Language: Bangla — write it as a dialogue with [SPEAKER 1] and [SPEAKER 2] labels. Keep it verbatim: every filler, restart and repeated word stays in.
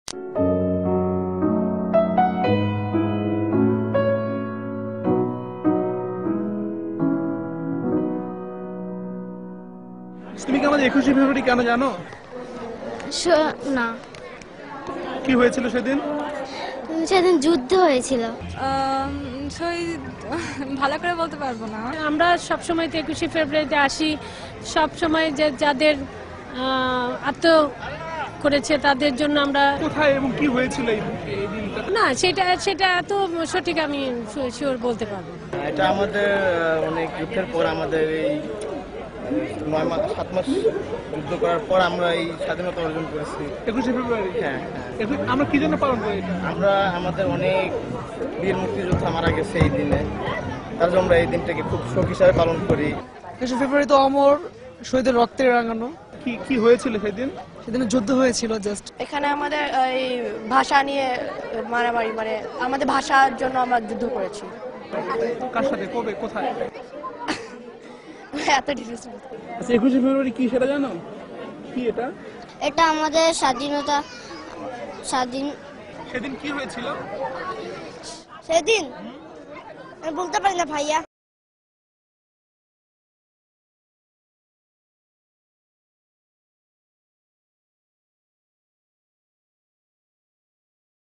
[SPEAKER 1] তুমি কি আমাদের একুশে ফেব্রুয়ারি কেন জানো?
[SPEAKER 2] না,
[SPEAKER 1] কি হয়েছিল সেদিন?
[SPEAKER 2] সেদিন যুদ্ধ হয়েছিল।
[SPEAKER 3] ভালো করে বলতে পারবো না।
[SPEAKER 4] আমরা সব সময় তো একুশে ফেব্রুয়ারিতে আসি, সব সময় যে যাদের আত্ম করেছে তাদের জন্য আমরা।
[SPEAKER 1] কোথায় এবং কি হয়েছিল এই দিনটা?
[SPEAKER 4] না, সেটা সেটা এত সঠিক আমি শিওর বলতে পারবো না।
[SPEAKER 5] এটা আমাদের অনেক যুদ্ধের পর, আমাদের এই নয় মাস সাত মাস যুদ্ধ করার পর আমরা এই স্বাধীনতা অর্জন করেছি।
[SPEAKER 1] একুশে ফেব্রুয়ারি?
[SPEAKER 5] হ্যাঁ হ্যাঁ।
[SPEAKER 1] আমরা কি জন্য পালন করি এটা?
[SPEAKER 5] আমরা আমাদের অনেক বীর মুক্তিযোদ্ধা মারা গেছে এই দিনে, তার জন্য আমরা এই দিনটাকে খুব শোক হিসাবে পালন করি।
[SPEAKER 6] একুশে ফেব্রুয়ারি তো অমর শহীদের রক্তে রাঙানো।
[SPEAKER 1] কি কি হয়েছিল সেদিন?
[SPEAKER 6] সেদিন যুদ্ধ হয়েছিল। জাস্ট
[SPEAKER 7] এখানে আমাদের এই ভাষা নিয়ে মারামারি, মানে আমাদের ভাষার জন্য আমরা যুদ্ধ করেছি।
[SPEAKER 1] কার সাথে, কবে, কোথায়?
[SPEAKER 7] এত ডিটেইলস।
[SPEAKER 1] আচ্ছা, একুশে ফেব্রুয়ারি কি সেটা জানো? কি এটা?
[SPEAKER 2] এটা আমাদের স্বাধীনতা। স্বাধীন
[SPEAKER 1] সেদিন কি হয়েছিল
[SPEAKER 2] সেদিন আমি বলতে পারি না ভাইয়া।